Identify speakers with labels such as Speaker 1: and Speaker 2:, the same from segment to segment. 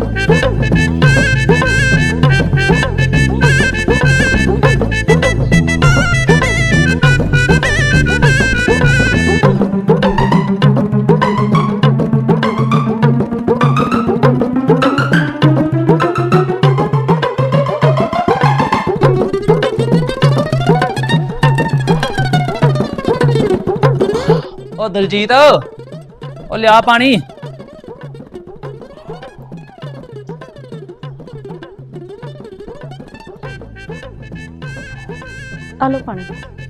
Speaker 1: ओ दलजीत ओ लिया पानी।
Speaker 2: आलो पानी।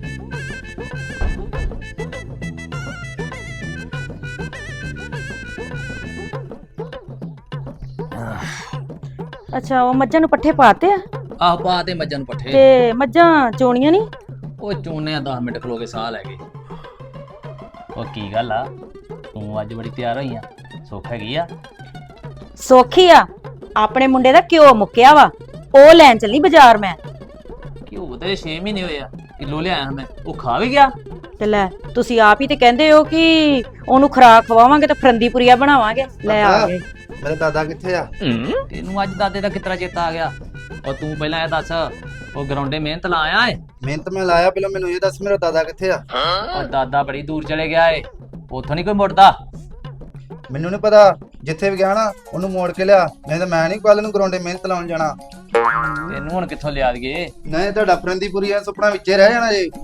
Speaker 2: अच्छा वो मज्जां नूं पट्ठे पाते आ?
Speaker 1: आह पा ते मज्जां नूं पट्ठे।
Speaker 2: ते मज्जां चोणियां नहीं?
Speaker 1: ओ चोने 10 मिनट खलो के साह लै गए। ओ की गल आ तू अज बड़ी तैयार होई आ, सुख हैगी आ?
Speaker 2: सौखी आ अपने मुंडे दा घ्यो मुक्किया वा, ओ लैन चली बाजार मैं।
Speaker 1: घ्यो ते 6 महीने होए आ, किलो लिआया मैं, ओ खा भी गया।
Speaker 2: ते लै तुसी आप ही ते कहंदे हो कि ओनू खुराक खवावांगे ते फरंदीपुरिया बनावांगे। ले आ गए।
Speaker 3: मेरा दादा कित्थे आ?
Speaker 1: तेनू अज दादे दा कितरा चेता आ गया? और तू पहला ए दस ओ ग्राउंडे मेहनत ला आया है?
Speaker 3: मेहनत मैं लाया, पहले मैनू ये दस मेरा दादा कित्थे आ?
Speaker 1: और दादा बड़ी दूर चले गया है, उथों नहीं कोई मुड़दा।
Speaker 3: मैनू नहीं पता, जिथे भी गया ना ओनू मोड़ के लिया, नहीं तो मैं नहीं कल नू ग्राउंडे मेहनत लाउण जाना।
Speaker 1: तेनू हुण कित्थों लिया दईए?
Speaker 3: नहीं तुहाडा फरंदीपुरिया सुपना विचे रह जाना जी।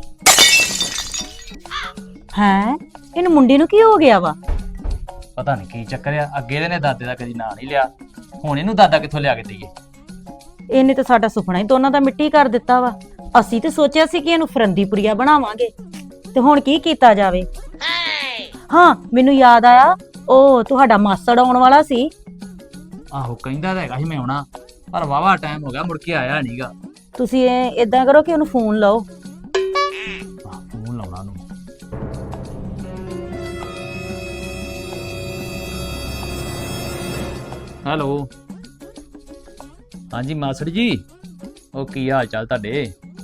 Speaker 2: हैं इन मुंडे नू की हो गया वा?
Speaker 1: पता नहीं की चक्कर आ, अगे ने दादे दा कदी नां नहीं लिया, हुण इनू दादा कित्थों लिया के दईए?
Speaker 2: ਇਹਨੇ ਤਾਂ ਸਾਡਾ ਸੁਪਨਾ ਹੀ ਦੋਨਾਂ ਦਾ ਮਿੱਟੀ ਕਰ ਦਿੱਤਾ ਵਾ। ਅਸੀਂ ਤੇ ਸੋਚਿਆ ਸੀ ਕਿ ਇਹਨੂੰ ਫਰੰਦੀਪੁਰੀਆ ਬਣਾਵਾਂਗੇ ਤੇ ਹੁਣ ਕੀ ਕੀਤਾ ਜਾਵੇ। ਹਾਂ ਮੈਨੂੰ ਯਾਦ ਆਇਆ, ਉਹ ਤੁਹਾਡਾ ਮਾਸੜ ਆਉਣ ਵਾਲਾ ਸੀ।
Speaker 1: ਆਹੋ ਕਹਿੰਦਾ ਤਾਂ ਹੈਗਾ ਸੀ ਮੈਂ ਆਉਣਾ, ਪਰ ਵਾਵਾ ਟਾਈਮ ਹੋ ਗਿਆ ਮੁੜ ਕੇ ਆਇਆ ਨਹੀਂਗਾ।
Speaker 2: ਤੁਸੀਂ ਇਦਾਂ ਕਰੋ ਕਿ ਉਹਨੂੰ ਫੋਨ ਲਾਓ।
Speaker 1: ਫੋਨ ਲਾਉਣਾ ਨੂੰ। ਹੈਲੋ ਹਾਂਜੀ ਮਾਸੜ ਜੀ, ਉਹ ਕੀ ਹਾਲ ਚਾਲ ਤੁਹਾਡੇ?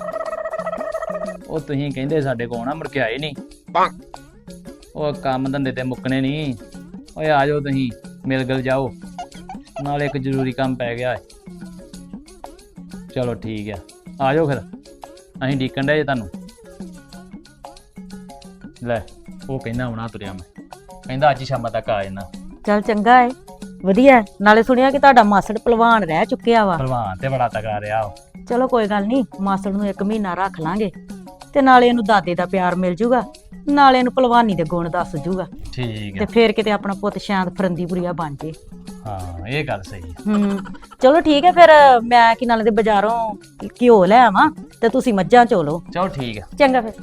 Speaker 1: ਉਹ ਤੁਸੀਂ ਕਹਿੰਦੇ ਸਾਡੇ ਕੋਲ ਨਾ ਮੁੜ ਕੇ ਆਏ ਨਹੀਂ। ਉਹ ਕੰਮ ਧੰਦੇ ਤੇ ਮੁੱਕਣੇ ਨਹੀਂ। ਓਏ ਆ ਜਾਓ ਤੁਸੀਂ, ਮਿਲ ਗਿਲ ਜਾਓ, ਨਾਲੇ ਇੱਕ ਜ਼ਰੂਰੀ ਕੰਮ ਪੈ ਗਿਆ ਹੈ। ਚਲੋ ਠੀਕ ਆ ਜਾਓ ਫਿਰ, ਅਸੀਂ ਡੀਕਣ ਡਏ ਤੁਹਾਨੂੰ। ਲੈ ਉਹ ਕਹਿੰਦਾ ਆਉਣਾ ਤੁਰਿਆ, ਮੈਂ ਕਹਿੰਦਾ ਅੱਜ ਸ਼ਾਮਾਂ ਤੱਕ ਆ ਜਾਣਾ।
Speaker 2: ਚੱਲ ਚੰਗਾ ਏ, ਵਧੀਆ। ਨਾਲੇ ਸੁਣਿਆ ਕਿ ਤੁਹਾਡਾ ਮਾਸੜ ਪਹਿਲਵਾਨ ਰਹਿ ਚੁੱਕਿਆ ਵਾ।
Speaker 1: ਪਹਿਲਵਾਨ ਤੇ ਬੜਾ ਤਗੜਾ ਰਿਹਾ ਉਹ।
Speaker 2: ਚਲੋ ਕੋਈ ਗੱਲ ਨਹੀਂ, ਮਾਸੜ ਨੂੰ 1 ਮਹੀਨਾ ਰੱਖ ਲਾਂਗੇ ਤੇ ਨਾਲੇ ਇਹਨੂੰ ਦਾਦੇ ਦਾ ਪਿਆਰ ਮਿਲ ਜੂਗਾ, ਨਾਲੇ ਇਹਨੂੰ ਪਹਿਲਵਾਨੀ ਦੇ ਗੁਣ ਦੱਸ ਜੂਗਾ
Speaker 1: ਠੀਕ
Speaker 2: ਤੇ
Speaker 1: ਹੈ।
Speaker 2: ਫੇਰ ਕਿਤੇ ਆਪਣਾ ਪੁੱਤ ਸ਼ਾਂਤ ਫਰੰਦੀਪੁਰੀਆ ਬਣ ਜੇ।
Speaker 1: ਹਾਂ ਇਹ ਗੱਲ ਸਹੀ ਹੈ।
Speaker 2: ਚਲੋ ਠੀਕ ਹੈ ਫਿਰ, ਮੈਂ ਕਿ ਨਾਲੇ ਦੇ ਬਾਜ਼ਾਰੋਂ ਘਿਓ ਲੈ ਆਵਾਂ ਤੇ ਤੁਸੀਂ ਮੱਝਾਂ ਚੋਲੋ।
Speaker 1: ਚਲੋ ਠੀਕ ਹੈ।
Speaker 2: ਚੰਗਾ ਫਿਰ।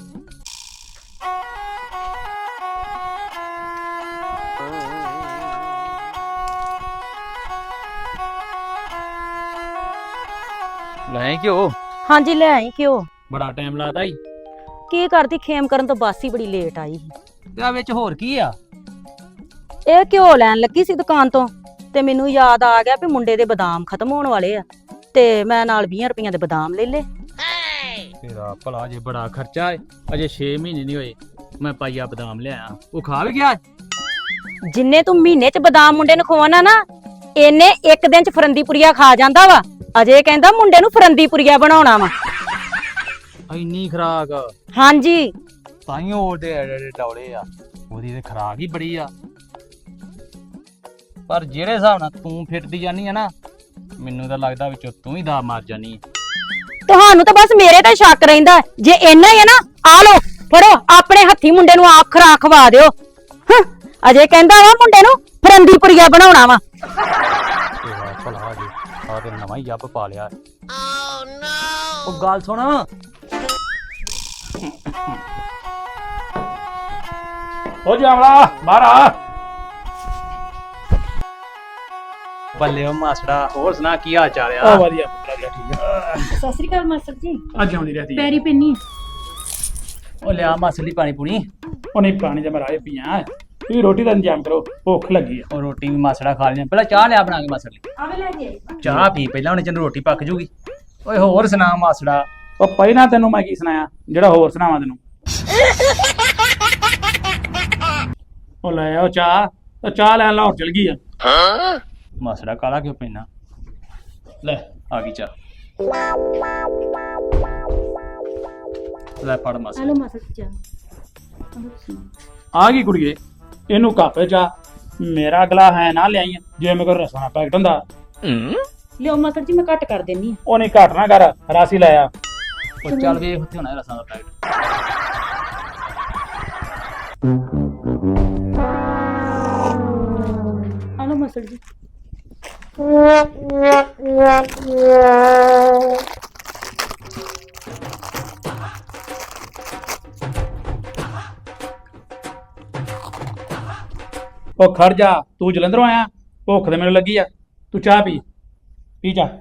Speaker 1: ਲੈ ਘਿਓ?
Speaker 2: ਹਾਂਜੀ ਲੈ ਆਈ ਘਿਓ।
Speaker 1: ਬੜਾ ਟਾਈਮ ਲੱਗਦਾ ਈ।
Speaker 2: ਕੀ ਕਰਦੀ, ਖੇਮ ਕਰਨ ਤੋਂ ਬਾਅਦ ਹੀ ਬੜੀ ਲੇਟ ਆਈ।
Speaker 1: ਤੇ ਆ ਵਿੱਚ ਹੋਰ ਕੀ ਆ?
Speaker 2: ਇਹ ਘਿਓ ਲੈਣ ਲੱਗੀ ਸੀ ਦੁਕਾਨ ਤੋਂ ਤੇ ਮੈਨੂੰ ਯਾਦ ਆ ਗਿਆ ਵੀ ਮੁੰਡੇ ਦੇ ਬਦਾਮ ਖਤਮ ਹੋਣ ਵਾਲੇ ਆ ਤੇ ਮੈਂ ਨਾਲ 20 ਰੁਪਈਆਂ ਦੇ ਬਦਾਮ ਲੈ ਲੇ।
Speaker 1: ਤੇਰਾ ਭਲਾ ਜੇ ਬੜਾ ਖਰਚਾ ਏ, ਅਜੇ 6 ਮਹੀਨੇ ਨਹੀਂ ਹੋਏ ਮੈਂ ਪਾਈਆ ਬਦਾਮ ਲਿਆਇਆ, ਉਹ ਖਾ ਵੀ ਗਿਆ।
Speaker 2: ਜਿੰਨੇ ਤੂੰ ਮਹੀਨੇ ਚ ਬਦਾਮ ਮੁੰਡੇ ਨੂੰ ਖਵਾਉਣਾ ਨਾ, ਇਹਨੇ ਇੱਕ ਦਿਨ ਚ ਫਰੰਦੀਪੁਰੀਆ ਖਾ ਜਾਂਦਾ ਵਾ। ਅਜੇ ਕਹਿੰਦਾ ਮੁੰਡੇ ਨੂੰ ਫਰੰਦੀਪੁਰੀਆ ਬਣਾਉਣਾ ਵਾ।
Speaker 1: ਇੰਨੀ ਖਰਾਕ?
Speaker 2: ਹਾਂਜੀ
Speaker 1: ਤਾਈਓ ਉਹਦੇ ਐਡੇ ਡੌਲੇ ਆ, ਉਹਦੀ ਤੇ ਖਰਾਕ ਹੀ ਬੜੀ ਆ। ਪਰ ਜਿਹੜੇ ਹਿਸਾਬ ਨਾਲ ਤੂੰ ਫਿਰਦੀ ਜਾਨੀ ਆ ਨਾ, ਮੈਨੂੰ ਤਾਂ ਲੱਗਦਾ ਵਿੱਚੋਂ ਤੂੰ ਹੀ ਦਾ ਮਾਰ ਜਾਨੀ ਆ।
Speaker 2: ਤੁਹਾਨੂੰ ਤਾਂ ਬਸ ਮੇਰੇ ਤੇ ਸ਼ੱਕ ਰਹਿੰਦਾ। ਜੇ ਇੰਨਾ ਹੀ ਹੈ ਨਾ, ਆ ਲੋ ਫੜੋ, ਆਪਣੇ ਹੱਥੀ ਮੁੰਡੇ ਨੂੰ ਆਪ ਖੁਰਾਕ ਖਵਾ ਦਿਓ। ਅਜੇ ਕਹਿੰਦਾ ਵਾ ਮੁੰਡੇ ਨੂੰ ਫਰੰਦੀਪੁਰੀਆ ਬਣਾਉਣਾ ਵਾ।
Speaker 1: ਤੇਰਾ ਭਲਾ ਜੀ, ਆ ਤੇ ਨਵਾਂ ਹੀ ਜੱਬ ਪਾ ਲਿਆ। ਉਹ ਗੱਲ ਸੁਣ,
Speaker 4: ਹੋ ਜਾਵਲਾ ਬਾਹਰ ਆ।
Speaker 1: ਬੱਲੇ ਉਹ ਮਾਸੜਾ, ਹੋਰ ਸੁਣਾ ਕੀ ਹਾਲ ਚਾਲ ਆ?
Speaker 4: ਵਧੀਆ ਪੁੱਤਰਾ, ਠੀਕ ਆ।
Speaker 2: ਸਤਿ ਸ੍ਰੀ ਅਕਾਲ ਮਾਸਟਰ ਜੀ।
Speaker 4: ਅੱਜ ਆਉਂਦੀ ਰਹਤੀ
Speaker 2: ਪੈਰੀ ਪੈਣੀ।
Speaker 1: ਉਹ ਲਿਆ ਮਾਸੜੀ ਪਾਣੀ ਪੂਣੀ।
Speaker 4: ਉਹ ਨਹੀਂ ਪਾਣੀ ਦਾ ਮੈਂ ਰਾਏ ਪੀਆਂ। ਤੁਸੀਂ ਰੋਟੀ ਦਾ ਇੰਤਜ਼ਾਮ ਕਰੋ, ਭੁੱਖ ਲੱਗੀ ਆ।
Speaker 1: ਉਹ ਰੋਟੀ ਵੀ ਮਾਸੜਾ ਖਾ ਲੈਣੀ, ਪਹਿਲਾਂ ਚਾਹ ਲਿਆ ਬਣਾ ਕੇ ਮਾਸੜ ਲਈ।
Speaker 2: ਆਵੇ ਲੈ ਜੀ।
Speaker 1: ਚਾਹ ਪੀ ਪਹਿਲਾਂ, ਉਹਨੇ ਚੰਨ ਰੋਟੀ ਪੱਕ ਜੂਗੀ। ਓਏ ਹੋਰ ਸੁਣਾ ਮਾਸੜਾ?
Speaker 4: ਉਹ ਪਹਿਲਾਂ ਤੈਨੂੰ ਮੈਂ ਕੀ ਸੁਣਾਇਆ ਜਿਹੜਾ ਹੋਰ ਸੁਣਾਵਾਂ ਤੈਨੂੰ? ਉਹ ਲੈ ਆਓ ਚਾਹ, ਉਹ ਚਾਹ ਲੈਣ ਲਾਹੌਰ ਚਲ ਗਈ ਆ।
Speaker 1: ਮਾਸੜਾ ਕਾਲਾ ਕਿਉਂ ਪੈਣਾ? ਲੈ ਆ ਗਈ ਚਾਹ। ਲੈ ਫੜ ਮਾਸੜਾ।
Speaker 2: ਹਲੋ ਮਾਸੜ ਜੀ
Speaker 4: ਆ ਗਈ ਕੁੜੀਏ, ਇਹਨੂੰ ਕਾਪੇ ਚਾ ਮੇਰਾ ਅਗਲਾ ਹੈ ਨਾ ਲਿਆਈ ਜੇ ਮੇਰੇ ਕੋਲ ਰਸਾਂ ਦਾ ਪੈਕਟ ਹੁੰਦਾ।
Speaker 2: ਲਿਓ ਮਾਸੜ ਜੀ ਮੈਂ ਘੱਟ ਕਰ ਦੇਣੀ ਆ।
Speaker 4: ਉਹ ਨਹੀਂ ਘੱਟ ਨਾ ਕਰ, ਰਾਸੀ ਲੈ ਆ।
Speaker 1: ਉਹ ਚੱਲ ਵੇਖ ਉੱਥੇ ਹੋਣਾ ਰਸਾਂ ਦਾ ਪੈਕਟ।
Speaker 2: ਹਲੋ ਮਾਸੜ ਜੀ।
Speaker 4: ਉਹ ਖੜ ਜਾ, ਤੂੰ ਜਲੰਧਰੋਂ ਆਇਆ, ਭੁੱਖ ਤੇ ਮੈਨੂੰ ਲੱਗੀ ਆ, ਤੂੰ ਚਾਹ ਪੀ ਪੀ ਜਾ।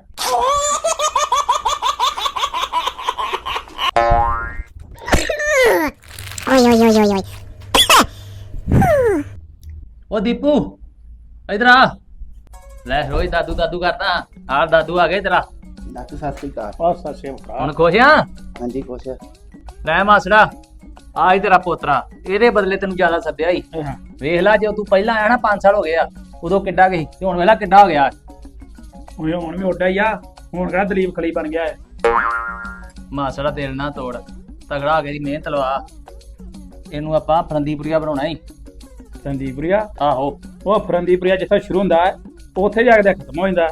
Speaker 1: ਉਹ ਦੀਪੂ ਇਧਰ ਆ। ਲੈ ਰੋਜ਼ ਦਾਦੂ ਦਾਦੂ ਕਰਦਾ। ਆ ਦਾਦੂ ਆ ਗਏ ਤੇਰਾ।
Speaker 3: ਡਾਕਟਰ ਸਤਿ ਸ੍ਰੀ ਅਕਾਲ।
Speaker 4: ਬਹੁਤ ਸੱਚੇ
Speaker 1: ਹੁਣ ਖੁਸ਼ ਆ?
Speaker 3: ਹਾਂਜੀ ਖੁਸ਼।
Speaker 1: ਲੈ ਮਾਸੜਾ ਆ ਹੀ ਤੇਰਾ ਪੋਤਰਾ। ਇਹਦੇ ਬਦਲੇ ਤੈਨੂੰ ਜ਼ਿਆਦਾ ਸੱਦਿਆ ਹੀ। ਵੇਖ ਲੈ, ਜੇ ਤੂੰ ਪਹਿਲਾਂ ਆਇਆ ਨਾ 5 ਸਾਲ ਹੋ ਗਏ ਆ, ਉਦੋਂ ਕਿੱਡਾ ਗਈ ਤੇ ਹੁਣ ਵੇਲਾ ਕਿੱਡਾ ਹੋ ਗਿਆ।
Speaker 4: ਓਏ ਹੁਣ ਵੀ ਓਡਾ ਹੀ ਆ, ਹੁਣ ਕਿਹੜਾ ਦਲੀਪ ਖਲੀ ਬਣ ਗਿਆ ਹੈ।
Speaker 1: ਮਾਸੜਾ ਦਿਲ ਨਾ ਤੋੜ, ਤਗੜਾ ਹੋ ਕੇ ਦੀ ਮਿਹਨਤ ਲਵਾ। ਇਹਨੂੰ ਆਪਾਂ ਫਰੰਦੀਪੁਰੀਆ ਬਣਾਉਣਾ ਹੀ।
Speaker 4: ਫਰੰਦੀਪੁਰੀਆ?
Speaker 1: ਆਹੋ।
Speaker 4: ਉਹ ਫਰੰਦੀਪੁਰੀਆ ਜਿੱਥੇ ਸ਼ੁਰੂ ਹੁੰਦਾ ਹੈ ਉੱਥੇ ਜਾ ਕੇ ਖਤਮ ਹੋ ਜਾਂਦਾ।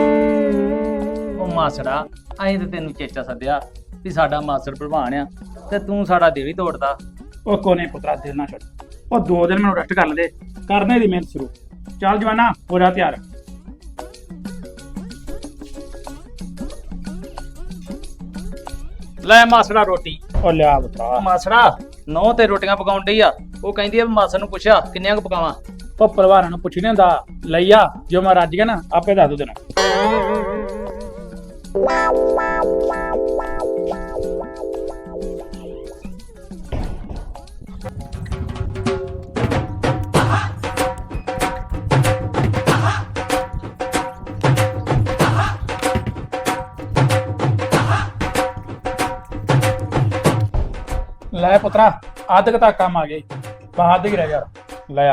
Speaker 1: ਉਹ ਮਾਸੜਾ ਅਸੀਂ ਤੇ ਤੈਨੂੰ ਚੇਚਾ ਸੱਦਿਆ ਵੀ ਸਾਡਾ ਮਾਸੜ ਭਲਵਾਨ ਆ, ਤੇ ਤੂੰ ਸਾਡਾ ਦਿਲ ਹੀ ਤੋੜਦਾ।
Speaker 4: ਉਹ ਕੋਨੇ ਪੁੱਤਰਾ ਦਿਲ ਨਾ ਛੱਡ, ਉਹ 2 ਦਿਨ ਮੈਨੂੰ ਰੈਸਟ ਕਰ ਲੈਂਦੇ, ਕਰਨੇ ਦੀ ਮਿਹਨਤ ਸ਼ੁਰੂ। ਚੱਲ ਜਵਾਨਾ ਹੋ ਜਾ ਤਿਆਰ।
Speaker 1: ਲੈ ਮਾਸੜਾ ਰੋਟੀ।
Speaker 4: ਉਹ ਲਿਆ ਪੁੱਤਰਾ।
Speaker 1: ਮਾਸੜਾ ਨੌ ਤੇ ਰੋਟੀਆਂ ਪਕਾਉਣ ਡਈ ਆ। ਉਹ ਕਹਿੰਦੀ ਆ ਵੀ ਮਾਸੜ ਨੂੰ ਪੁੱਛਿਆ ਕਿੰਨੀਆਂ ਕੁ ਪਕਾਵਾਂ।
Speaker 4: ਉਹ ਪਰਿਵਾਰਾਂ ਨੂੰ ਪੁੱਛ ਨਹੀਂ ਹੁੰਦਾ, ਲਈ ਆ, ਜੋ ਮੈਂ ਰੱਜ ਗਿਆ ਨਾ ਆਪੇ ਦੱਸ ਦੂ ਤੈਨੂੰ। ਲੈ ਪੁੱਤਰਾ, ਅੱਧ ਕੁ ਤੱਕ ਕੰਮ ਆ ਗਏ, ਬਾਹਰ ਹੀ ਰਹਿ ਯਾਰ। ਲੈ ਆ।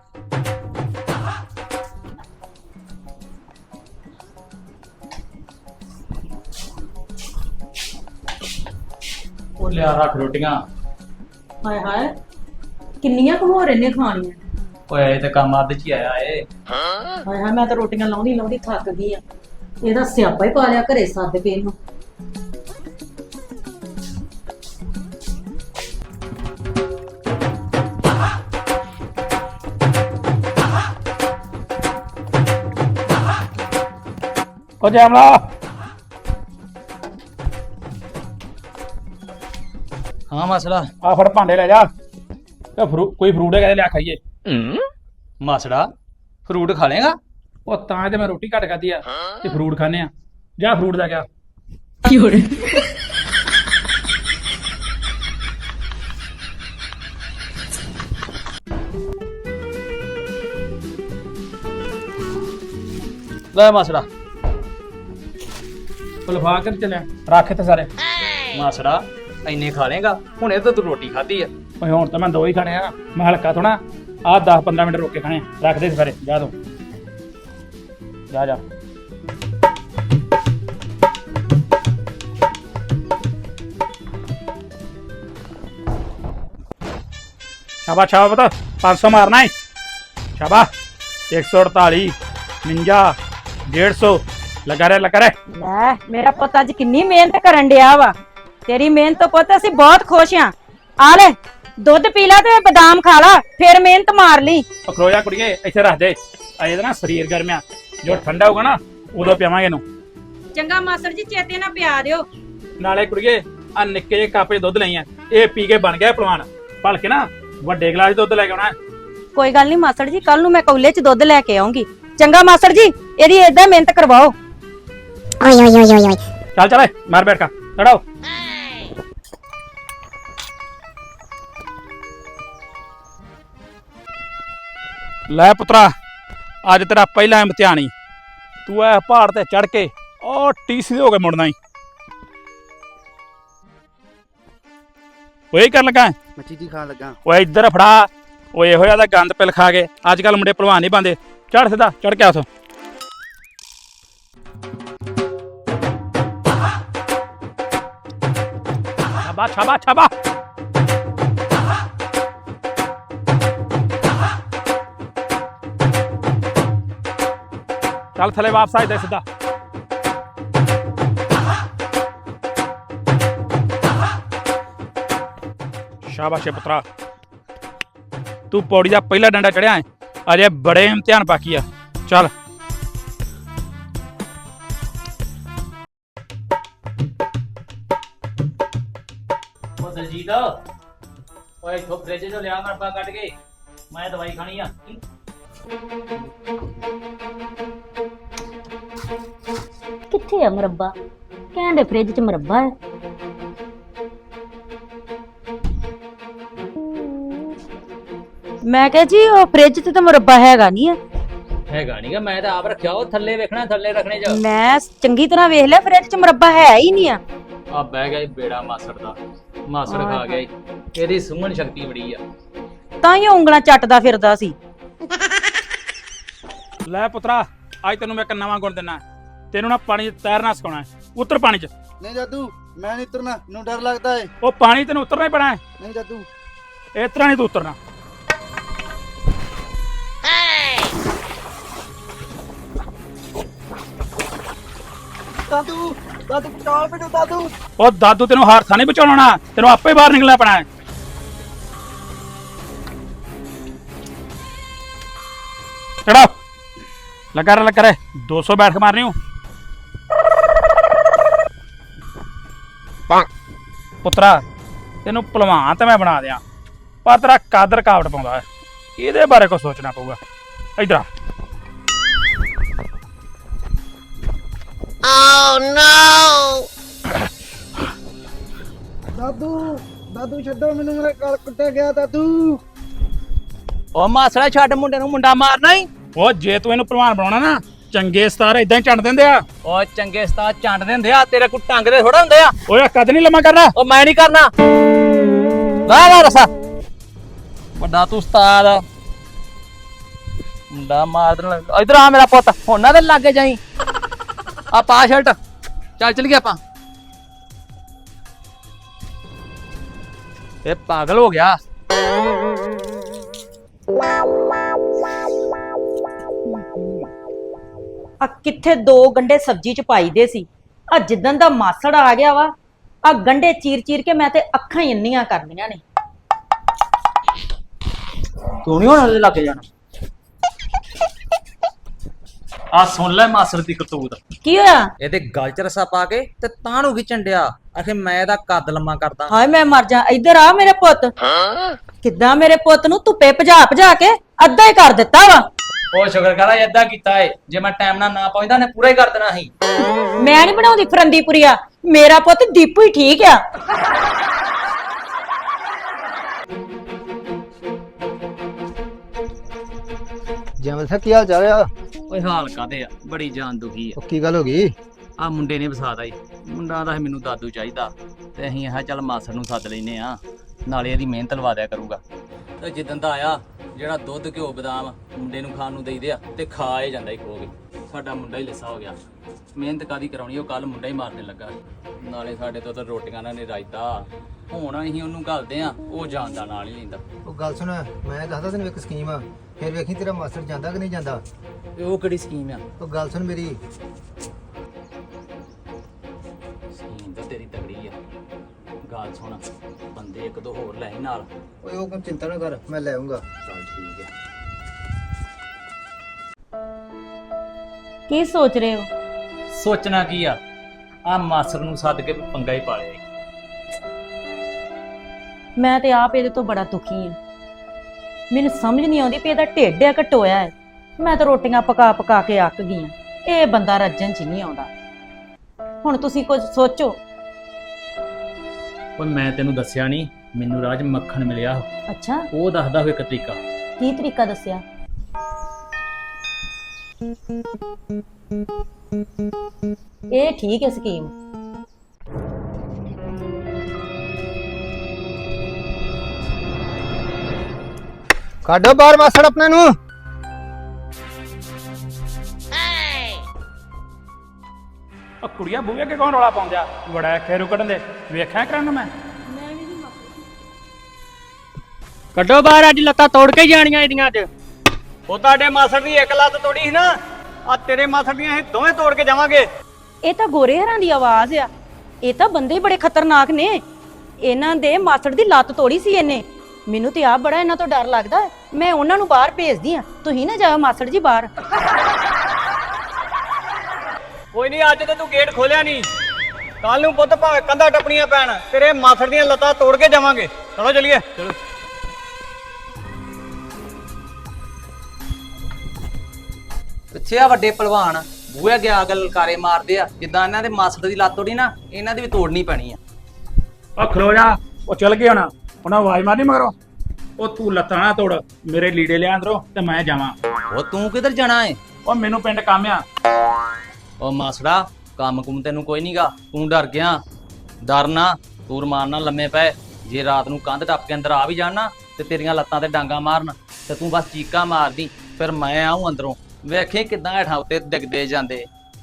Speaker 1: ਉਹ ਲਿਆ ਰੱਖ ਰੋਟੀਆਂ।
Speaker 2: ਹਾਏ ਹਾਏ ਕਿੰਨੀਆਂ ਕੁ ਹੋਰ ਇਹਨੇ ਖਾਣੀਆਂ।
Speaker 1: ਓਏ ਇਹ ਤੇ ਕੰਮ ਅੱਧ ਚ ਹੀ ਆਇਆ ਏ।
Speaker 2: ਹਾਏ ਹਾਏ ਮੈਂ ਤਾਂ ਰੋਟੀਆਂ ਲਾਉਂਦੀ ਲਾਉਂਦੀ ਥੱਕ ਗਈ ਆ। ਇਹਦਾ ਸਿਆਪਾ ਹੀ ਪਾ ਲਿਆ ਘਰੇ ਸੱਦ ਕੇ ਇਹਨੂੰ।
Speaker 4: ਉਹ ਜੈਮਲਾ,
Speaker 1: ਹਾਂ ਮਾਸੜਾ।
Speaker 4: ਆ ਫੜ ਭਾਂਡੇ ਲੈ ਜਾ, ਤੇ ਕੋਈ ਫਰੂਟ ਹੈਗਾ ਤੇ ਲਿਆ ਖਾਈਏ।
Speaker 1: ਮਾਸੜਾ ਫਰੂਟ ਖਾ ਲੇਗਾ?
Speaker 4: ਉਹ ਤਾਂ ਤੇ ਮੈਂ ਰੋਟੀ ਘੱਟ ਖਾਧੀ ਆ, ਤੇ ਫਰੂਟ ਖਾਣੇ ਆ। ਜਾ ਫਰੂਟ ਲੈ ਗਿਆ।
Speaker 1: ਲੈ ਮਾਸੜਾ।
Speaker 4: ਲਫਾ ਕੇ ਚੱਲਿਆ, ਰੱਖ ਤੇ ਸਾਰੇ।
Speaker 1: ਮਾਸੜਾ ਇੰਨੇ ਖਾ ਲੇਗਾ? ਹੁਣ ਇਹ ਤਾਂ ਤੂੰ ਰੋਟੀ ਖਾਧੀ ਆ।
Speaker 4: ਓਏ ਹੁਣ ਤਾਂ ਮੈਂ 2 ਹੀ ਖਾਣੇ ਆ, ਮੈਂ ਹਲਕਾ ਥੋੜਾ। ਆਹ 10-15 ਮਿੰਟ ਰੋਕ ਕੇ ਖਾਣੇ, ਰੱਖ ਦੇ ਸਾਰੇ। ਜਾ ਤੂੰ ਜਾ ਜਾ। ਸ਼ਾਬਾਸ਼ ਸ਼ਾਬਾਸ਼ ਪੁੱਤ, 500 ਮਾਰਨਾ ਹੈ। ਸ਼ਾਬਾਸ਼। 148 59 150 ਲਗਾ ਰਿਹਾ ਲਗਾ ਰਿਹਾ।
Speaker 2: ਲੈ ਮੇਰਾ ਪੁੱਤ ਅੱਜ ਕਿੰਨੀ ਮਿਹਨਤ ਕਰਨ ਡਿਆ ਵਾ। ਤੇਰੀ ਮਿਹਨਤ ਤੋਂ ਪੁੱਤ ਅਸੀਂ ਬਹੁਤ ਖੁਸ਼ ਆਂ। ਆ ਲੈ ਦੁੱਧ ਪੀ ਲੈ ਤੇ ਬਦਾਮ ਖਾ ਲਾ, ਫਿਰ ਮਿਹਨਤ ਮਾਰ ਲਈ।
Speaker 4: ਖਲੋਇਆ ਕੁੜੀਏ, ਇੱਥੇ ਰੱਖ ਦੇ। ਇਹਦਾ ਨਾ ਸਰੀਰ ਗਰਮਿਆ, ਜੋ ਠੰਡਾ ਹੋਊਗਾ ਨਾ ਉਦੋਂ ਪਿਆਵਾਂਗੇ ਇਹਨੂੰ।
Speaker 2: ਚੰਗਾ ਮਾਸਟਰ ਜੀ, ਚੇਤੇ ਨਾਲ ਪਿਆ ਦਿਓ।
Speaker 4: ਨਾਲੇ ਕੁੜੀਏ ਆ ਨਿੱਕੇ ਜਿਹੇ ਕੱਪ 'ਚ ਦੁੱਧ ਲਈਆਂ, ਇਹ ਪੀ ਕੇ ਬਣ ਗਿਆ ਪਹਿਲਵਾਨ। ਭਲਕੇ ਨਾ ਵੱਡੇ ਗਲਾਸ 'ਚ ਦੁੱਧ ਲੈ ਕੇ ਆਉਣਾ।
Speaker 2: ਕੋਈ ਗੱਲ ਨਹੀਂ ਮਾਸਟਰ ਜੀ, ਕੱਲ ਨੂੰ ਮੈਂ ਕੌਲੇ 'ਚ ਦੁੱਧ ਲੈ ਕੇ ਆਉਂਗੀ। ਚੰਗਾ ਮਾਸਟਰ ਜੀ, ਇਹਦੀ ਏਦਾਂ ਮਿਹਨਤ ਕਰਵਾਓ।
Speaker 4: ਚੱਲ ਚੱਲ ਮਾਰ ਬੈਠ ਕਾ ਲੜਾਓ। ਲੈ ਪੁੱਤਰਾ, ਅੱਜ ਤੇਰਾ ਪਹਿਲਾ ਇਮਤਿਹਾਨ ਈ। ਤੂੰ ਐ ਪਹਾੜ ਤੇ ਚੜ ਕੇ ਉਹ ਟੀਸੀ ਹੋ ਕੇ ਮੁੜਨਾ ਈ। ਓਏ ਕਰ ਲਗਾ
Speaker 3: ਮੱਛੀ ਜੀ ਖਾਣ ਲੱਗਾ।
Speaker 4: ਓਏ ਇੱਧਰ ਫੜਾ। ਓਏ ਇਹੋ ਜਿਹਾ ਤਾਂ ਗੰਦ ਪਿਲ ਖਾ ਕੇ ਅੱਜ ਕੱਲ ਮੁੰਡੇ ਭਲਵਾਨ ਨਹੀਂ ਬੰਦੇ। ਚੜ ਸਿੱਧਾ ਚੜ ਕੇ ਆਥੋਂ। ਸ਼ਾਬਾਸ਼ ਸ਼ਾਬਾਸ਼ ਸ਼ਾਬਾਸ਼। ਚੱਲ ਥੱਲੇ ਵਾਪਸ ਆ ਜਾ ਸਿੱਧਾ। ਸ਼ਾਬਾਸ਼ ਏ ਪੁੱਤਰਾ, ਤੂੰ ਪੌੜੀ ਦਾ ਪਹਿਲਾ ਡੰਡਾ ਚੜਿਆ ਹੈ, ਅਜੇ ਬੜੇ ਇਮਤਿਹਾਨ ਬਾਕੀ ਆ। ਚੱਲ
Speaker 1: ਉਹ ਦਲਜੀਤ ਓਏ ਇੱਥੋਂ ਫ੍ਰਿਜ ਚੋਂ ਲਿਆ ਮਰਬਾ ਕੱਢ ਕੇ, ਮੈਂ ਦਵਾਈ ਖਾਣੀ ਆ।
Speaker 2: ਕਿੱਥੇ ਆ ਮੁਰੱਬਾ? ਕਹਿੰਦੇ ਫ੍ਰਿਜ 'ਚ ਮੁਰੱਬਾ ਹੈ। ਮੈਂ ਕਿਹਾ ਜੀ ਉਹ ਫ੍ਰਿਜ 'ਚ ਤਾਂ ਮੁਰੱਬਾ ਹੈਗਾ ਨਹੀਂ ਆ।
Speaker 1: ਹੈਗਾ ਨੀਗਾ, ਮੈਂ ਤਾਂ ਆਪ ਰੱਖਿਆ। ਉਹ ਥੱਲੇ ਵੇਖਣਾ, ਥੱਲੇ ਰੱਖਣੇ ਚ
Speaker 2: ਮੈਂ ਚੰਗੀ ਤਰ੍ਹਾਂ ਵੇਖ ਲਿਆ, ਫ੍ਰਿਜ 'ਚ ਮੁਰੱਬਾ ਹੈ ਹੀ ਨਹੀਂ ਆ।
Speaker 1: ਆ ਬਹਿ ਗਿਆ ਈ ਬੇੜਾ ਮਾਸੜ ਦਾ। ਮਾਸੜ ਖਾ ਗਿਆ ਈ। ਇਹਦੀ ਸੁੰਘਣ ਸ਼ਕਤੀ ਬੜੀ ਆ।
Speaker 2: ਤਾਂ ਹੀ ਉਹ ਉਂਗਲਾਂ ਚੱਟਦਾ ਫਿਰਦਾ ਸੀ।
Speaker 4: ਲੈ ਪੁੱਤਰਾ, ਅੱਜ ਤੈਨੂੰ ਮੈਂ ਇੱਕ ਨਵਾਂ ਗੁਣ ਦਿੰਨਾ। ਤੈਨੂੰ ਨਾ ਪਾਣੀ 'ਚ ਤੈਰਨਾ ਸਿਖਾਉਣਾ ਹੈ। ਉਤਰ ਪਾਣੀ 'ਚ।
Speaker 3: ਨਹੀਂ ਜਾਦੂ, ਮੈਂ ਨਹੀਂ ਉਤਰਨਾ, ਮੈਨੂੰ ਡਰ ਲੱਗਦਾ ਏ।
Speaker 4: ਉਹ ਪਾਣੀ ਤੈਨੂੰ ਉਤਰਨਾ ਹੀ ਪੈਣਾ ਹੈ।
Speaker 3: ਨਹੀਂ ਜਾਦੂ।
Speaker 4: ਇਸ ਤਰ੍ਹਾਂ ਨਹੀਂ ਤੂੰ ਉਤਰਨਾ।
Speaker 3: ਦਾਦੂ, ਦਾਦੂ ਬਚਾਓ ਮੈਨੂੰ ਦਾਦੂ।
Speaker 4: ਉਹ ਦਾਦੂ ਤੈਨੂੰ ਹਾਰਥਾ ਨਹੀਂ ਬਚਾਉਣਾ, ਤੈਨੂੰ ਆਪੇ ਬਾਹਰ ਨਿਕਲਣਾ ਪੈਣਾ ਹੈ। ਚੜਾਓ, ਲੱਗਾ ਰਹੇ 200 ਬੈਠ ਕੇ ਮਾਰਨੀ ਹੂੰ। ਪੁੱਤਰਾ, ਤੈਨੂੰ ਭਲਵਾਨ ਤਾਂ ਮੈਂ ਬਣਾ ਦਿਆਂ, ਪਰ ਤੇਰਾ ਕੱਦ ਰੁਕਾਵਟ ਪਾਉਂਦਾ ਹੈ। ਇਹਦੇ ਬਾਰੇ ਕੁਝ ਸੋਚਣਾ ਪਊਗਾ। ਇੱਧਰ ਆ।
Speaker 3: ਦਾਦੂ, ਦਾਦੂ ਛੱਡੋ ਮੈਨੂੰ, ਮੇਰਾ ਗਲ ਕੁੱਟਿਆ ਗਿਆ ਦਾਦੂ।
Speaker 1: ਉਹ ਮਾਸੜਾ ਛੱਡ ਮੁੰਡੇ ਨੂੰ, ਮੁੰਡਾ ਮਾਰਨਾ ਹੀ।
Speaker 4: ਉਹ ਜੇ ਤੂੰ ਇਹਨੂੰ ਭਲਵਾਨ ਬਣਾਉਣਾ ਨਾ, ਚੰਗੇ ਸਤਾਰ ਇਦਾਂ ਹੀ ਚੰਡ ਦਿੰਦੇ ਆ।
Speaker 1: ਉਹ ਚੰਗੇ ਉਸਤਾਦ ਚੰਡ ਦਿੰਦੇ ਆ, ਤੇਰੇ ਕੋ ਟੰਗ ਦੇ ਥੋੜਾ ਹੁੰਦੇ ਆ।
Speaker 4: ਓਏ ਕੱਦ ਨਹੀਂ ਲੰਮਾ ਕਰਨਾ।
Speaker 1: ਉਹ ਮੈਂ ਨਹੀਂ ਕਰਨਾ। ਵਾਹ ਵਾਹ ਰਸਾ ਵੱਡਾ ਤੂੰ ਉਸਤਾਦ। ਮੁੰਡਾ ਮਾਰ ਦੇਣ। ਇਧਰ ਆ ਮੇਰਾ ਪੁੱਤ, ਹੁਣ ਨਾ ਤੇ ਲਾਗੇ ਜਾਈ। ਆ ਪਾ ਸ਼ਰਟ, ਚੱਲ ਚਲੀਏ ਆਪਾਂ। ਇਹ ਪਾਗਲ ਹੋ ਗਿਆ।
Speaker 2: ਆ ਕਿੱਥੇ 2 ਗੰਡੇ ਸਬਜ਼ੀ 'ਚ ਪਾਈਦੇ ਸੀ। ਆ ਜਿੱਦਣ ਦਾ ਮਾਸੜ ਆ ਗਿਆ ਵਾ, ਆ ਗੰਡੇ ਚੀਰ ਕੇ ਮੈਂ ਤੇ ਅੱਖਾਂ ਹੀ ਇੰਨੀਆਂ ਕਰਨੀਆਂ ਨੇ।
Speaker 1: ਤੂੰ ਨਹੀਂ ਹੁਣ ਉਹਦੇ ਲੱਗੇ ਜਾਣਾ। ਆ ਸੁਣ ਲੈ ਮਾਸੜ ਦੀ ਕਰਤੂਤ।
Speaker 2: ਕੀ ਹੋਇਆ?
Speaker 5: ਇਹਦੇ ਗਲ ਚ ਰਸਾ ਪਾ ਕੇ ਤੇ ਤਾਂ ਨੂੰ ਖਿੱਚਣ ਡਿਆ। ਆਖੇ ਮੈਂ ਇਹਦਾ ਕੱਦ ਲੰਮਾ ਕਰਦਾ।
Speaker 2: ਹਾਏ ਮੈਂ ਮਰ ਜਾ। ਇੱਧਰ ਆ ਮੇਰੇ ਪੁੱਤ। ਕਿੱਦਾਂ ਮੇਰੇ ਪੁੱਤ ਨੂੰ ਧੁੱਪੇ ਭਜਾ ਕੇ ਅੱਧਾ ਹੀ ਕਰ ਦਿੱਤਾ ਵਾ।
Speaker 1: ਉਹ ਸ਼ੁਕਰ ਕਰਾ ਏਦਾਂ ਕੀਤਾ ਏ, ਜੇ ਮੈਂ ਟਾਈਮ ਨਾਲ ਨਾ ਪਹੁੰਚਦਾ ਨੇ ਪੂਰਾ ਹੀ ਕਰ ਦੇਣਾ ਸੀ।
Speaker 2: ਮੈਂ ਨਹੀਂ ਬਣਾਉਂਦੀ ਫਰੰਦੀ ਪੁਰੀਆ, ਮੇਰਾ ਪੁੱਤ ਦੀਪੂ ਹੀ ਠੀਕ ਆ।
Speaker 3: ਜਮਲ ਸਾ ਕੀ ਹਾਲ ਚਾਲ ਆ?
Speaker 1: ਓਏ ਹਾਲ ਕਾਦੇ ਆ, ਬੜੀ ਜਾਨ ਦੁਖੀ ਆ।
Speaker 3: ਕੀ ਗੱਲ ਹੋ ਗਈ?
Speaker 1: ਆ ਮੁੰਡੇ ਨੇ ਵਸਾਦਾ ਈ। ਮੁੰਡਾ ਦਾ ਮੈਨੂੰ ਦਾਦੂ ਚਾਹੀਦਾ ਤੇ ਅਸੀਂ ਆਹ ਚੱਲ ਮਾਸੜ ਨੂੰ ਸੱਦ ਲੈਨੇ ਆ, ਨਾਲੇ ਇਹਦੀ ਮਿਹਨਤ ਲਵਾ ਦਿਆ ਕਰੂਗਾ। ਤੇ ਜਿੱਦਣ ਦਾ ਆਇਆ, ਜਿਹੜਾ ਦੁੱਧ ਘਿਓ ਬਦਾਮ ਮੁੰਡੇ ਨੂੰ ਖਾਣ ਨੂੰ ਦੇਈਦੇ ਆ ਤੇ ਖਾ ਹੀ ਜਾਂਦਾ ਹੀ ਖੋ ਕੇ। ਸਾਡਾ ਮੁੰਡਾ ਹੀ ਲਿੱਸਾ ਹੋ ਗਿਆ। ਮਿਹਨਤ ਕਾਦੀ ਕਰਾਉਣੀ, ਉਹ ਕੱਲ ਮੁੰਡਾ ਹੀ ਮਾਰਨੇ ਲੱਗਾ। ਨਾਲੇ ਸਾਡੇ ਤੋਂ ਤਾਂ ਰੋਟੀਆਂ ਨਾਲ ਨਹੀਂ ਰਾਇਤਾ। ਹੁਣ ਅਸੀਂ ਉਹਨੂੰ ਘੱਲਦੇ ਆ, ਉਹ ਜਾਣ ਦਾ ਨਾਲ ਹੀ ਲੈਂਦਾ।
Speaker 3: ਉਹ ਗੱਲ ਸੁਣ, ਮੈਂ ਦੱਸਦਾ ਤੈਨੂੰ ਇੱਕ ਸਕੀਮ ਆ, ਫਿਰ ਵੇਖੀ ਤੇਰਾ ਮਾਸਟਰ ਜਾਂਦਾ ਕਿ ਨਹੀਂ ਜਾਂਦਾ।
Speaker 1: ਤੇ ਉਹ ਕਿਹੜੀ ਸਕੀਮ ਆ?
Speaker 3: ਉਹ ਗੱਲ ਸੁਣ ਮੇਰੀ।
Speaker 1: ਸਕੀਮ ਤਾਂ ਤੇਰੀ ਤਗੜੀ ਆ। ਗੱਲ ਸੁਣ, ਬੰਦੇ 1-2 ਹੋਰ ਲੈ ਆਈ ਨਾਲ।
Speaker 3: ਓਏ ਉਹ ਕੰਮ ਚਿੰਤਾ ਨਾ ਕਰ, ਮੈਂ ਲੈ ਆਉਂਗਾ।
Speaker 1: ਚੱਲ ਠੀਕ ਆ।
Speaker 2: ਕੀ ਸੋਚ ਰਹੇ ਹੋ?
Speaker 1: ਸੋਚਣਾ ਕੀ ਆ, ਆ ਮਾਸਰ ਨੂੰ ਸੱਦ ਕੇ ਪੰਗਾ ਹੀ ਪਾ ਲਿਆ ਈ।
Speaker 2: ਮੈਂ ਤੇ ਆਪ ਇਹਦੇ ਤੋਂ ਬੜਾ ਦੁਖੀ ਆ। ਮੈਨੂੰ ਸਮਝ ਨਹੀਂ ਆਉਂਦੀ ਵੀ ਇਹਦਾ ਢਿੱਡ ਆ ਘਟੋਇਆ ਹੈ। ਮੈਂ ਤਾਂ ਰੋਟੀਆਂ ਪਕਾ ਕੇ ਅੱਕ ਗਈ ਆ। ਇਹ ਬੰਦਾ ਰੱਜਣ ਚ ਨਹੀਂ ਆਉਂਦਾ। ਹੁਣ ਤੁਸੀਂ ਕੁਝ ਸੋਚੋ।
Speaker 1: ਓਏ ਮੈਂ ਤੈਨੂੰ ਦੱਸਿਆ ਨਹੀਂ, ਮੈਨੂੰ ਰਾਜ ਮੱਖਣ ਮਿਲਿਆ।
Speaker 2: ਅੱਛਾ,
Speaker 1: ਉਹ ਦੱਸਦਾ ਹੋਏ ਇੱਕ ਤਰੀਕਾ।
Speaker 2: ਕੀ ਤਰੀਕਾ ਦੱਸਿਆ? ਇਹ ਠੀਕ ਹੈ ਸਕੀਮ।
Speaker 3: ਕੱਢੋ ਬਾਹਰ ਮਾਸੜ ਆਪਣੇ ਨੂੰ।
Speaker 4: ਉਹ ਕੁੜੀਆਂ ਬੂਹੇ ਅੱਗੇ ਕੌਣ ਰੌਲਾ ਪਾਉਂਦਿਆ? ਬੜਾ ਖੇਰੂ ਕੱਢਣ ਦੇ ਵੇਖਿਆ ਕਰਨ ਮੈਂ।
Speaker 6: ਕੱਢੋ ਬਾਹਰ, ਅੱਜ ਲੱਤਾਂ ਤੋੜ ਕੇ ਜਾਣੀਆਂ ਇਹਦੀਆਂ ਅੱਜ। ਉਹ ਤੁਹਾਡੇ ਮਾਸੜ ਦੀ ਇੱਕ ਲੱਤ ਤੋੜੀ ਸੀ ਨਾ, ਆ ਤੇਰੇ ਮਾਸੜ ਦੀਆਂ ਇਹ ਦੋਵੇਂ ਤੋੜ ਕੇ ਜਾਵਾਂਗੇ।
Speaker 2: ਇਹ ਤਾਂ ਗੋਰੇ ਹਰਾਂ ਦੀ ਆਵਾਜ਼ ਆ। ਇਹ ਤਾਂ ਬੰਦੇ ਬੜੇ ਖਤਰਨਾਕ ਨੇ। ਇਹਨਾਂ ਦੇ ਮਾਸੜ ਦੀ ਲੱਤ ਤੋੜੀ ਸੀ ਇਹਨੇ। ਮੈਨੂੰ ਤੇ ਆਪ ਬੜਾ ਇਹਨਾਂ ਤੋਂ ਡਰ ਲੱਗਦਾ ਹੈ। ਮੈਂ ਉਹਨਾਂ ਨੂੰ ਬਾਹਰ ਭੇਜਦੀ ਆ, ਤੁਸੀਂ ਨਾ ਜਾਓ ਮਾਸੜ ਜੀ ਬਾਹਰ।
Speaker 6: ਕੋਈ ਨਹੀਂ, ਅੱਜ ਤੇ ਤੂੰ ਗੇਟ ਖੋਲਿਆ ਨਹੀਂ, ਕੱਲ ਨੂੰ ਪੁੱਤ ਭਾਵੇਂ ਕੰਧਾਂ ਟੱਪਣੀਆਂ ਪੈਣ, ਤੇਰੇ ਮਾਸੜ ਦੀਆਂ ਲੱਤਾਂ ਤੋੜ ਕੇ ਜਾਵਾਂਗੇ। ਚਲੋ ਚਲੀਏ। ਚਲੋ
Speaker 5: ਪਿੱਛੇ ਆ ਵੱਡੇ ਪਹਿਲਵਾਨ ਬੂਹੇ ਅੱਗੇ ਆ ਗਲਕਾਰੇ ਮਾਰਦੇ ਆ, ਜਿੱਦਾਂ ਇਹਨਾਂ ਦੇ ਮਾਸੜ ਦੀ ਲੱਤ ਤੋੜੀ ਨਾ, ਇਹਨਾਂ ਦੀ ਵੀ ਤੋੜਨੀ ਪੈਣੀ ਆ।
Speaker 4: ਉਹ ਖਲੋ ਜਾ, ਉਹ ਚਲ ਗਏ ਹੁਣ, ਉਹਨਾਂ ਆਵਾਜ਼ ਮਾਰਨੀ ਮਗਰੋਂ। ਉਹ ਤੂੰ ਲੱਤਾਂ ਨਾ ਤੋੜ, ਮੇਰੇ ਲੀੜੇ ਲਿਆ ਅੰਦਰੋਂ ਤੇ ਮੈਂ ਜਾਵਾਂ।
Speaker 5: ਉਹ ਤੂੰ ਕਿੱਧਰ ਜਾਣਾ ਏ?
Speaker 4: ਉਹ ਮੈਨੂੰ ਪਿੰਡ ਕੰਮ ਆ।
Speaker 5: ਉਹ ਮਾਸੜਾ, ਕੰਮ ਕੁਮ ਤੈਨੂੰ ਕੋਈ ਨਹੀਂਗਾ, ਤੂੰ ਡਰ ਗਿਆ। ਡਰ ਨਾ, ਤੂੰ ਰਮਾਨ ਨਾਲ ਲੰਮੇ ਪੈ। ਜੇ ਰਾਤ ਨੂੰ ਕੰਧ ਟੱਪ ਕੇ ਅੰਦਰ ਆ ਵੀ ਜਾਣਾ ਤੇ ਤੇਰੀਆਂ ਲੱਤਾਂ ਤੇ ਡਾਂਗਾ ਮਾਰਨ, ਤੇ ਤੂੰ ਬਸ ਚੀਕਾਂ ਮਾਰਦੀ, ਫਿਰ ਮੈਂ ਆਉਂ ਅੰਦਰੋਂ, ਵੇਖੇ ਕਿਦਾਂ ਹੇਠਾਂ ਉੱਤੇ ਡਿੱਗਦੇ ਜਾਂਦੇ।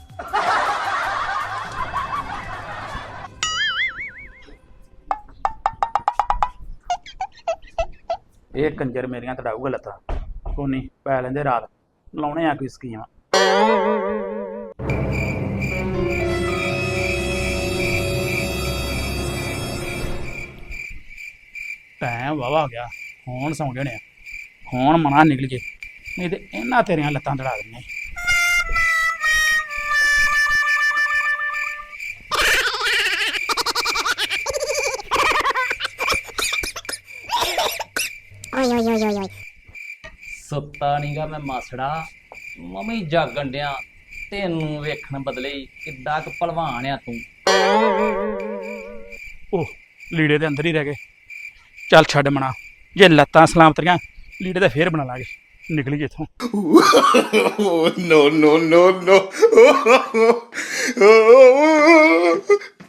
Speaker 4: ਇਹ ਕੰਜਰ ਮੇਰੀਆਂ ਤੜਾਊਗਾ ਲੱਤਾਂ। ਕੋਈ ਨਹੀਂ, ਪੈ ਲੈਂਦੇ ਰਾਤ, ਲਾਉਣੇ ਆ ਕੋਈ ਸਕੀਮ। ਟਾਈਮ ਵਾਵਾ ਹੋ ਗਿਆ, ਹੁਣ ਸੌਂ ਜਾਣੇ ਆ, ਹੁਣ ਮਨਾ ਨਿਕਲ ਜੇ, ਨਹੀਂ ਤੇ ਇਹਨਾਂ ਤੇਰੀਆਂ ਲੱਤਾਂ ਤੜਾ ਦਿੰਨੇ।
Speaker 5: ਸੁੱਤਾ ਨਹੀਂਗਾ ਮੈਂ ਮਾਸੜਾ, ਮੰਮੀ ਜਾਗਣ ਡਿਆ, ਤੈਨੂੰ ਵੇਖਣ ਬਦਲੇ ਕਿੱਡਾ ਕੁ ਭਲਵਾਨ ਆ ਤੂੰ।
Speaker 4: ਉਹ ਲੀੜੇ ਦੇ ਅੰਦਰ ਹੀ ਰਹਿ ਗਏ। ਚੱਲ ਛੱਡ ਮਨਾ, ਜੇ ਲੱਤਾਂ ਸਲਾਮਤ ਰਹੀਆਂ ਲੀੜੇ ਤਾਂ ਫੇਰ ਬਣਾ ਲਾਂਗੇ, ਨਿਕਲੀ ਜੇ ਇੱਥੋਂ।
Speaker 7: no, no, no, no.